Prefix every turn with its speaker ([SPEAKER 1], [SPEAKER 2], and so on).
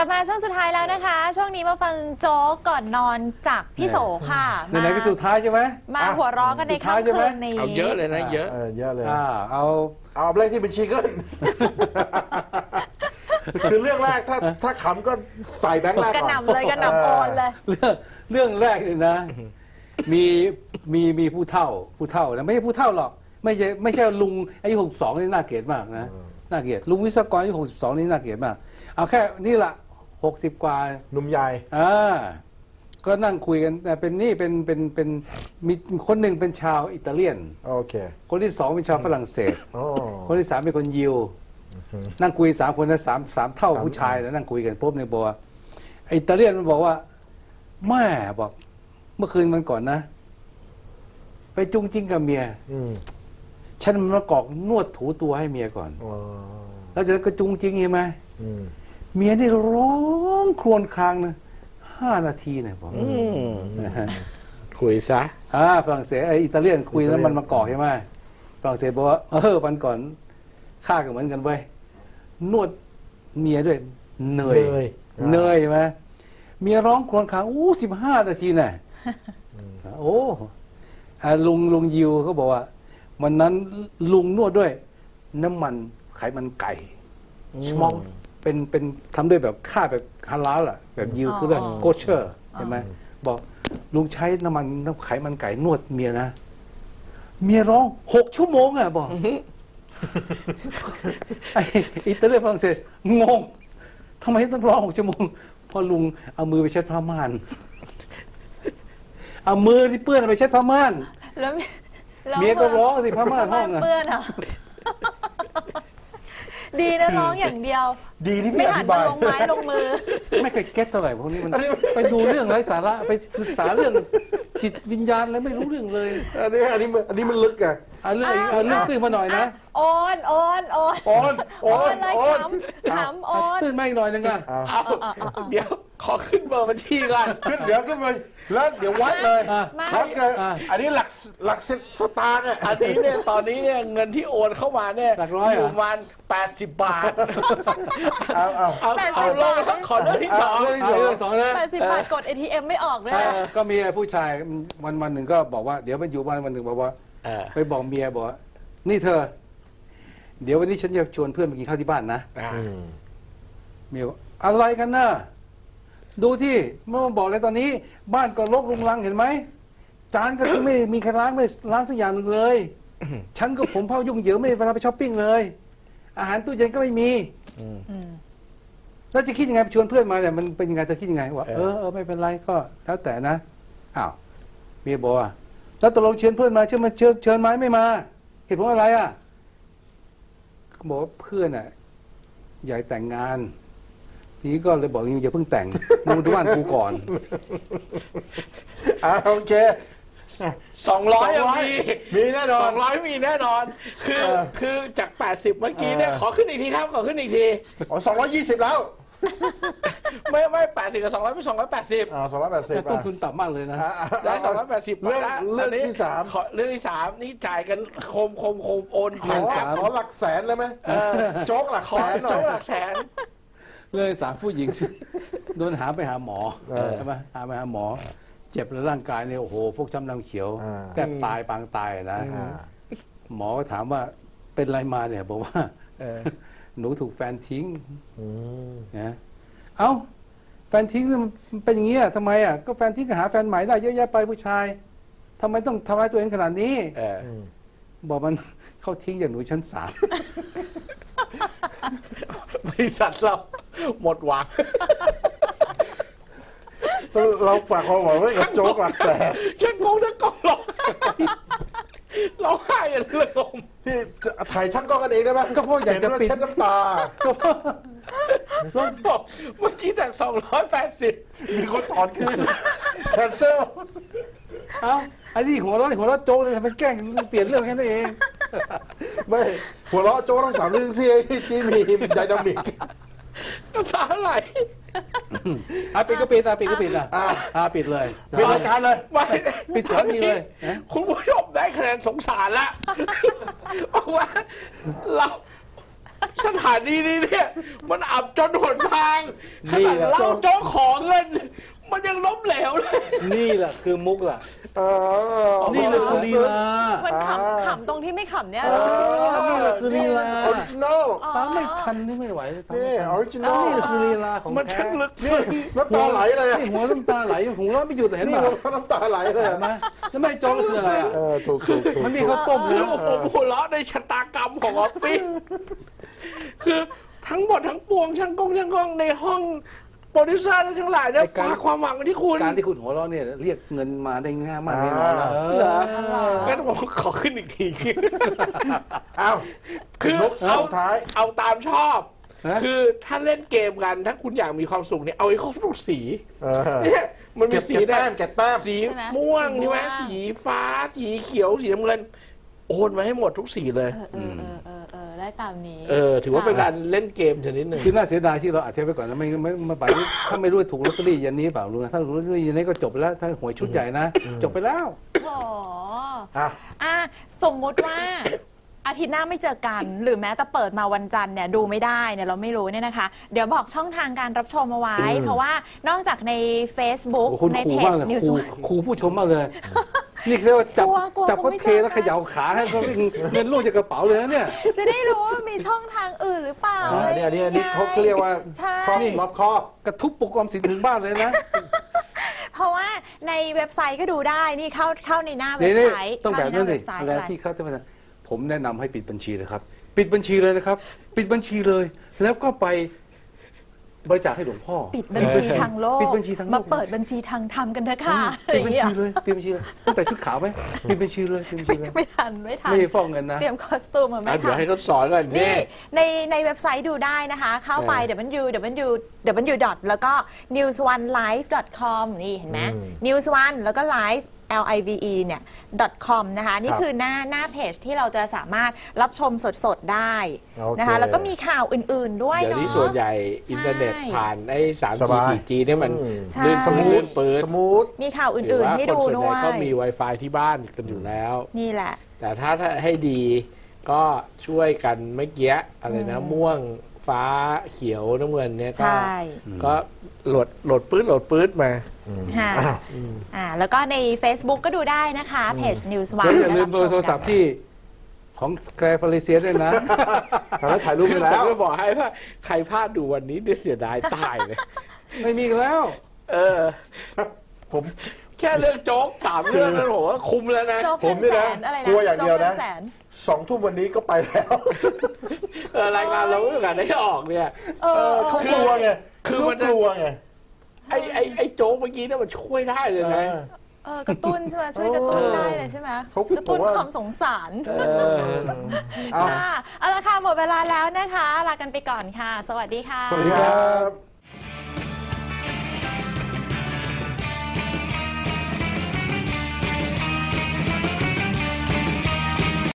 [SPEAKER 1] ลับมาช่วงสุดท้ายแล้วนะคะช่วงนี้มาฟังโจ๊กก่อนนอนจากพี่โสค่ะ
[SPEAKER 2] ไหนๆก็สุดท้ายใช่ไหม
[SPEAKER 1] มาหัวเราะกันในค่ำคืนนี้
[SPEAKER 3] เอาเยอะเลยนะเยอะ
[SPEAKER 2] เลย
[SPEAKER 4] เอาเรื่องที่เป็นชีเกิลคือเรื่องแรกถ้าขำก็ใส่แบงค์แรกก่อน
[SPEAKER 1] กระหน่ำเลยกระหน่ำโอนเลย
[SPEAKER 2] เรื่องแรกเลยนะมีผู้เฒ่านะไม่ใช่ผู้เฒ่าหรอกไม่ใช่ลุงอายุ62นี่น่าเกลียดมากนะน่าเกลียดลุงวิศวกรอายุ62นี่น่าเกลียดมากเอาแค่นี่ละ60 กว่า
[SPEAKER 4] หนุ่มใหญ่
[SPEAKER 2] ก็นั่งคุยกันแต่เป็นมีคนหนึ่งเป็นชาวอิตาเลียน
[SPEAKER 4] โอเค
[SPEAKER 2] คนที่2เป็นชาวฝรั่งเศสคนที่3เป็นคนยิวนั่งคุย3 คนนะสามเท่าผู้ชายแล้วนั่งคุยกันปุ๊บเนี่ยบอกว่าอิตาเลียนมันบอกว่าแม่บอกเมื่อคืนมันก่อนนะไปจุ้งจิ้งกับเมียฉันมากอกนวดถูตัวให้เมียก่อนแล้วจะก็จุ้งจิ้งใช่ไหมเมียนี่ร้องครวญครางนะ5 นาทีเนี่ยผม
[SPEAKER 3] คุยซะ
[SPEAKER 2] ฝรั่งเศสอิตาเลียนคุยแล้วมันมากอกใช่ไหมฝรั่งเศสบอกว่าวันก่อนข้าก็เหมือนกันไว้นวดเมียด้วยเหนื่อยใช่ไหมเมียร้องครวญคราง15 นาทีน่ะลุงยิวเขาบอกว่าวันนั้นลุงนวดด้วยน้ำมันไขมันไก่ชมอกเป็นทำด้วยแบบค่าแบบฮาลาลอ่ะแบบยิวคือเรื่องโกเชอร์ใช่ไหมบอกลุงใช้น้ำมันไขมันไก่นวดเมียนะเมียร้อง6 ชั่วโมงอ่ะบอกไอ้อิตาเลียนฝรั่งเศสงงทำไมต้องร้อง6 ชั่วโมงพอลุงเอามือไปเช็ดผ้าม่านเอามือที่เปื้อนไปเช็ดผ้าม่าน
[SPEAKER 1] แล้ว
[SPEAKER 2] เมียก็ร้องสิผ้าม่านห้อง
[SPEAKER 1] เปื้อนอ่ะดีนะร้องอย่างเดียว
[SPEAKER 4] ดีที่พี่อธิบาย
[SPEAKER 1] ไม่หันมาลงไม้ลงมือ
[SPEAKER 2] ไม่เคยเก็ตเท่าไหร่พวกนี้มันไปดูเรื่องไร้สาระไปศึกษาเรื่องจิตวิญญาณแล้วไม่รู้เรื่องเลย
[SPEAKER 4] อันนี้มันลึกอ่ะ
[SPEAKER 2] เรื่องขึ้นมาหน่อยนะ
[SPEAKER 1] โอนเลยขำโอน
[SPEAKER 2] ตื่นมาอีกหน่อยนึงอ่ะ
[SPEAKER 3] เดี๋ยวขอขึ้นเบอร์บัญชีก่อน
[SPEAKER 4] ขึ้นมาแล้วเดี๋ยววัดเลยอันนี้หลักสตางค์อ่ะ
[SPEAKER 3] อันนี้เนี่ยตอนนี้เนี่ยเงินที่โอนเข้ามาเนี่ยอยู่ประมาณ80 บาทเอาลงขอเรื่องที่2
[SPEAKER 2] นะ
[SPEAKER 1] 80 บาทกด ATM ไม่ออกเลย
[SPEAKER 2] ก็มีผู้ชายวันหนึ่งก็บอกว่าเดี๋ยวมันอยู่วันหนึ่งบอกว่าไปบอกเมียบอกนี่เธอเดี๋ยววันนี้ฉันจะชวนเพื่อนไปกินข้าวที่บ้านนะเมียอะไรกันน่ะดูที่เมื่อบอกเลยตอนนี้บ้านก็รกรุงรังเห็นไหมจานก็ไม่มีใครล้างสักอย่างหนึ่งเลยฉันก็ผมเผายุ่งเหยิงไม่เวลาไปช้อปปิ้งเลยอาหารตู้เย็นก็ไม่มีแล้วจะคิดยังไงชวนเพื่อนมาเนี่ยมันเป็นยังไงจะคิดยังไงว่าไม่เป็นไรก็แล้วแต่นะเมียบอกแล้วตกลงเชิญเพื่อนมาเชิญไหมไม่มาเหตุผลอะไรบอกว่าเพื่อนอยากแต่งงานทีนี้ก็เลยบอกอย่าเพิ่งแต่งมึงดูบ้านกูก่อน
[SPEAKER 4] โอเค
[SPEAKER 3] 200
[SPEAKER 4] มีแน่นอน
[SPEAKER 3] 200มีแน่นอนคือจาก80เมื่อกี้เนี่ยขอขึ้นอีกทีครับขอขึ้นอีกที
[SPEAKER 4] 220แล้ว
[SPEAKER 3] ไม่80กับ200เป็น280
[SPEAKER 4] 280
[SPEAKER 2] ต้นทุนต่ำมากเลยนะ
[SPEAKER 3] ได้280
[SPEAKER 4] เรื่องที่3
[SPEAKER 3] เรื่องที่3นี่จ่ายกันโคมโอน
[SPEAKER 4] ขอหลักแสนเลยไหมโจ๊กหลักแสนหน่อย
[SPEAKER 3] โจ๊กหลักแสน
[SPEAKER 2] เลย3 ผู้หญิงโดนหาไปหาหมอใช่ไหมหาไปหาหมอเจ็บแล้วร่างกายเนี่ยโอ้โหฟกช้ำดำเขียวแทบตายปางตายนะหมอก็ถามว่าเป็นไรมาเนี่ยบอกว่าหนูถูกแฟนทิ้งนะแฟนทิ้งมันเป็นอย่างนี้ทำไมก็แฟนทิ้งก็หาแฟนใหม่ได้เยอะแยะไปผู้ชายทำไมต้องทำร้ายตัวเองขนาดนี้บอกมันเขาทิ้งอย่างหนูชั้น3
[SPEAKER 3] บริษัทเราหมดหวัง
[SPEAKER 4] เราฝากความหวังไว้กับโจ๊กหลักแสน
[SPEAKER 3] ฉันคงจะกองเราให้กันเลย
[SPEAKER 4] พี่ถ่ายช่างกล้องกันเองได้ไหม
[SPEAKER 2] ก็เพราะอยากจะปิด
[SPEAKER 4] น้ำตา
[SPEAKER 3] เมื่อกี้จาก280
[SPEAKER 4] มีคนถอนคืนแคนเซิล
[SPEAKER 2] อันนี้หัวเราะโจ๊กเลยทำเป็นแกล้งเปลี่ยนเรื่องแค่นั้นเอง
[SPEAKER 4] ไม่หัวเราะโจ๊กต้อง3 เรื่องที่มีไดนามิก
[SPEAKER 3] น้ำตาไหล
[SPEAKER 2] ปิดก็ปิดปิดเลย
[SPEAKER 4] ปิดรายการเลย
[SPEAKER 3] ไม่
[SPEAKER 2] ปิดสถานีเลย
[SPEAKER 3] คุณผู้ชมได้คะแนนสงสารละเพราะว่าสถานีนี้เนี่ยมันอับจนหนทางขนาดเล่าโจ๊กขอเงินมันยังล้มเหลวเลย
[SPEAKER 2] นี่แหละคือมุกล่ะนี่แหละคือลีลา
[SPEAKER 1] มันขำตรงที่ไม่ขำเนี่ย
[SPEAKER 2] นี่แหละคือลีลา
[SPEAKER 4] ออริจินอล
[SPEAKER 2] ตามไม่ทันนี่ไม่ไหวเลย
[SPEAKER 4] นี่ออริจินอล
[SPEAKER 2] นี่คือลีลาของ
[SPEAKER 3] มันช่างลึกซึ้ง
[SPEAKER 4] น้ำตาไหลเลย
[SPEAKER 2] นี่หัวน้ำตาไหลหัวไม่หยุดเห็นไหม
[SPEAKER 4] น้ำตาไหลเลย
[SPEAKER 2] ไหมแล้วไม่โจ๊กคืออะไรอ่ะ
[SPEAKER 4] ถูก
[SPEAKER 2] มันมีข้าวต้มแล้ว
[SPEAKER 3] ผมหัวเราะในชะตากรรมของออฟฟิศคือทั้งหมดทั้งปวงช่างกล้องในห้องโปรดิวเซอร์ทั้งหลายเนี่ยฝากความหวังที่คุณ
[SPEAKER 2] การที่คุณหัวเราะเนี่ยเรียกเงินมาได้ง่ายมากแน่นอนนะ
[SPEAKER 3] งั้นผมขอขึ้นอีกทีคือเอาตามชอบคือถ้าเล่นเกมกันถ้าคุณอยากมีความสุขเนี่ยเอาไอ้ครบทุกสีเนี่ยมันมีสีแดงสีม่วงใช่ไหมสีฟ้าสีเขียวสีน้ำเงินโอนมาให้หมดทุกสีเลย
[SPEAKER 1] ได้ตามนี้
[SPEAKER 3] ถือว่าเป็นการเล่นเกมชนิดหนึ่ง
[SPEAKER 2] คือน่าเสียดายที่เราอัดเทปไปก่อนแล้วไม่ไปถ้าไม่รู้ถูกลอตเตอรี่ยันนี้เปล่าลุงถ้าถูกลอตเตอรี่ยันนี้ก็จบไปแล้วถ้าหวยชุดใหญ่นะจบไปแล้ว
[SPEAKER 1] สมมุติว่าอาทิตย์หน้าไม่เจอกันหรือแม้แต่เปิดมาวันจันทร์เนี่ยดูไม่ได้เนี่ยเราไม่รู้เนี่ยนะคะเดี๋ยวบอกช่องทางการรับชมเอาไว้เพราะว่านอกจากใน Facebook ในเพจนิวส์
[SPEAKER 2] ครูผู้ชมมากเลยนี่เรียกว่าจับเขาเทแล้วเขย่าขาให้เขาเงินลูกจากกระเป๋าเลยนะเนี่ย
[SPEAKER 1] จะได้รู้ว่ามีช่องทางอื่นหรือเปล่า
[SPEAKER 4] อันนี้เขาเรียกว่าครอบรอบครอบ
[SPEAKER 2] กระทุบปุกออมสินถึงบ้านเลยนะ
[SPEAKER 1] เพราะว่าในเว็บไซต์ก็ดูได้นี่เข้าในหน้าเว็บไซต์
[SPEAKER 2] ต้องแบบนั้นเลยอะไรที่เขาจะมาผมแนะนำให้ปิดบัญชีเลยครับปิดบัญชีเลยนะครับปิดบัญชีเลยแล้วก็ไปบริจาคให้หลวงพ่อ
[SPEAKER 1] ปิดบัญชีทางโลกมาเปิดบัญชีทางธรรมกันเถอะค่ะ
[SPEAKER 2] ปิดบัญชีเลยปิดบัญชีเลยตั้งแต่ชุดขาวไหมปิดบัญชีเลย
[SPEAKER 1] ไม่ทัน
[SPEAKER 2] ไม่ได้ฟ้องเงินนะ
[SPEAKER 1] เตรียมคอสตูมมาไม่ทัน
[SPEAKER 3] เดี๋ยวให้เขาสอนกัน
[SPEAKER 1] นี่ในเว็บไซต์ดูได้นะคะเข้าไป www. แล้วก็ newsonelive.com นี่เห็นไหม newsone แล้วก็ live live เนี่ย .com นะคะนี่คือหน้าเพจที่เราจะสามารถรับชมสดๆได้นะคะแล้วก็มีข่าวอื่นๆด้วย
[SPEAKER 3] เนาะเดี๋ยวนี้ส่วนใหญ่อินเทอร์เน็ตผ่านไอ้ 3G 4G เนี่ยมันลื่นสมูท
[SPEAKER 4] สมูท
[SPEAKER 1] มีข่าวอื่นๆให้ดูด้วย
[SPEAKER 3] ก็มี Wi-Fi ที่บ้านกันอยู่แล้ว
[SPEAKER 1] นี่แหละ
[SPEAKER 3] แต่ถ้าให้ดีก็ช่วยกันเมื่อกี้อะไรนะม่วงฟ้าเขียวน้ำเงินเนี่ยก็โหลดปื๊ดมา
[SPEAKER 1] แล้วก็ใน Facebook ก็ดูได้นะคะเพจ News One
[SPEAKER 2] อย่าลืมเบอร์โทรศัพท์ที่ของแกรฟาริเซียด้วยนะ
[SPEAKER 4] แล้วถ่ายรูปไปแล้ว
[SPEAKER 3] ก็บอกให้ว่าใครพลาดดูวันนี้เสียดายตายเลย
[SPEAKER 2] ไม่มีแล้ว
[SPEAKER 4] ผม
[SPEAKER 3] แค่เรื่องโจ๊ก3เรื่องนั้นผมว่าคุ้มแล้วนะ
[SPEAKER 4] ผมนี่นะกลัวอย่างเดียวนะ2 ทุ่มวันนี้ก็ไปแล้ว
[SPEAKER 3] รายงานเราเรื่องการได้ออกเนี่ย
[SPEAKER 4] เขากลัวไงคือมันกลัวไง
[SPEAKER 3] ไอ้โจ๊กเมื่อกี้เนี่ยมันช่วยได้เลยนะ
[SPEAKER 1] กระตุ้นใช่ไหมช่วยกระตุ้นได้เลยใช่ไหมกระตุ้นความสงสารเอาละค่ะหมดเวลาแล้วนะคะลากันไปก่อนค่ะสวัสดีค่ะ
[SPEAKER 4] สวัสดีครับ